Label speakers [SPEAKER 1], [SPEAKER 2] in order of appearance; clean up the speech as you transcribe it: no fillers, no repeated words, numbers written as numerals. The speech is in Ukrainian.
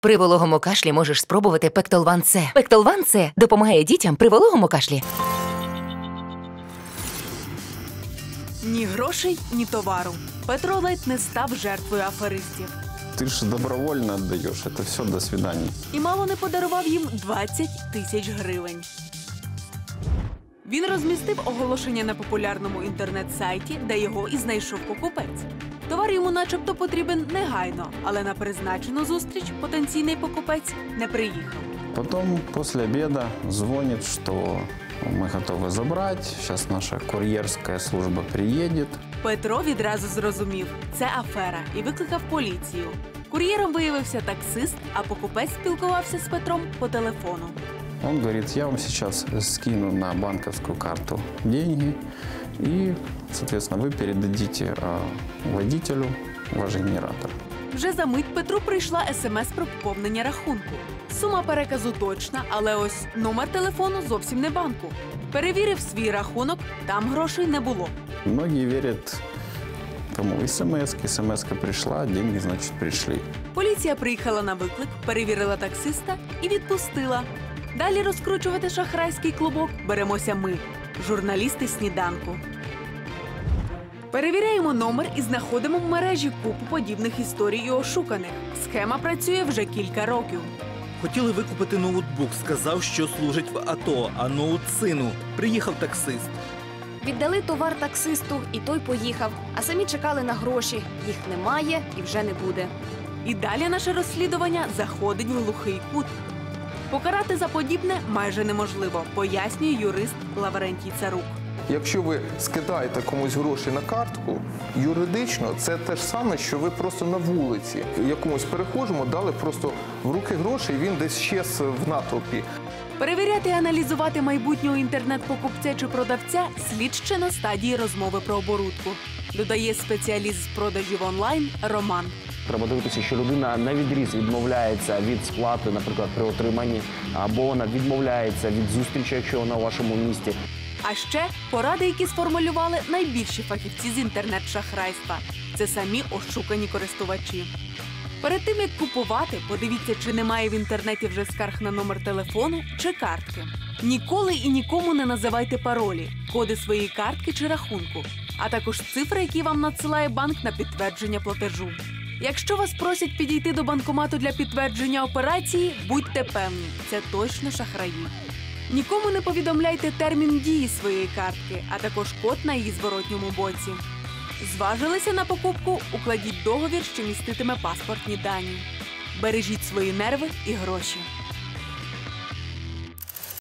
[SPEAKER 1] При вологому кашлі можеш спробувати Пектолван С. Пектолван С допомагає дітям при вологому кашлі.
[SPEAKER 2] Ні грошей, ні товару. Петро ледь не став жертвою аферистів.
[SPEAKER 3] Ты же добровольно отдаешь, это все, до свидания.
[SPEAKER 2] І мало не подарував їм 20 тисяч гривень. Він розмістив оголошення на популярному інтернет-сайті, де його і знайшов покупець. Товар йому начебто потрібен негайно, але на призначену зустріч потенційний покупець не приїхав.
[SPEAKER 3] Потом после обеда звонит, что мы готовы забрать, сейчас наша курьерская служба приедет.
[SPEAKER 2] Петро відразу зрозумів – це афера і викликав поліцію. Кур'єром виявився таксист, а покупець спілкувався з Петром по телефону.
[SPEAKER 3] Он говорит, я вам сейчас скину на банковскую карту деньги, и, соответственно, вы передадите водителю ваш генератор.
[SPEAKER 2] Вже за мить Петру прийшла смс про поповнення рахунку. Сума переказу точна, але ось номер телефону зовсім не банку. Перевірив свій рахунок, там грошей не було.
[SPEAKER 3] Многие верят тому смс-ка пришла, деньги, значит, пришли.
[SPEAKER 2] Поліція приїхала на виклик, перевірила таксиста і відпустила. Далі розкручувати шахрайський клубок беремося ми, журналісти «Сніданку». Перевіряємо номер і знаходимо в мережі купу подібних історій і ошуканих. Схема працює вже кілька років.
[SPEAKER 4] Хотіли викупити ноутбук, сказав, що служить в АТО, а ноут сину. Приїхав таксист.
[SPEAKER 5] Віддали товар таксисту, і той поїхав. А самі чекали на гроші. Їх немає і вже не буде.
[SPEAKER 2] І далі наше розслідування заходить в глухий кут. Покарати за подібне майже неможливо, пояснює юрист Лаврентій Царук.
[SPEAKER 6] Якщо ви скидаєте комусь гроші на картку, юридично це те ж саме, що ви просто на вулиці якомусь перехожому дали просто в руки гроші, і він десь щез в натовпі.
[SPEAKER 2] Перевіряти і аналізувати майбутнього інтернет-покупця чи продавця слід ще на стадії розмови про оборудку, додає спеціаліст з продажів онлайн Роман.
[SPEAKER 7] Треба дивитися, що людина навідріз відмовляється від сплати, наприклад, при отриманні, або вона відмовляється від зустрічі, якщо вона у вашому місті.
[SPEAKER 2] А ще поради, які сформулювали найбільші фахівці з інтернет-шахрайства. Це самі ошукані користувачі. Перед тим, як купувати, подивіться, чи немає в інтернеті вже скарг на номер телефону чи картки. Ніколи і нікому не називайте паролі, коди своєї картки чи рахунку, а також цифри, які вам надсилає банк на підтвердження платежу. Якщо вас просять підійти до банкомату для підтвердження операції, будьте певні, це точно шахраї. Нікому не повідомляйте термін дії своєї картки, а також код на її зворотньому боці. Зважилися на покупку, укладіть договір, що міститиме паспортні дані. Бережіть свої нерви і гроші.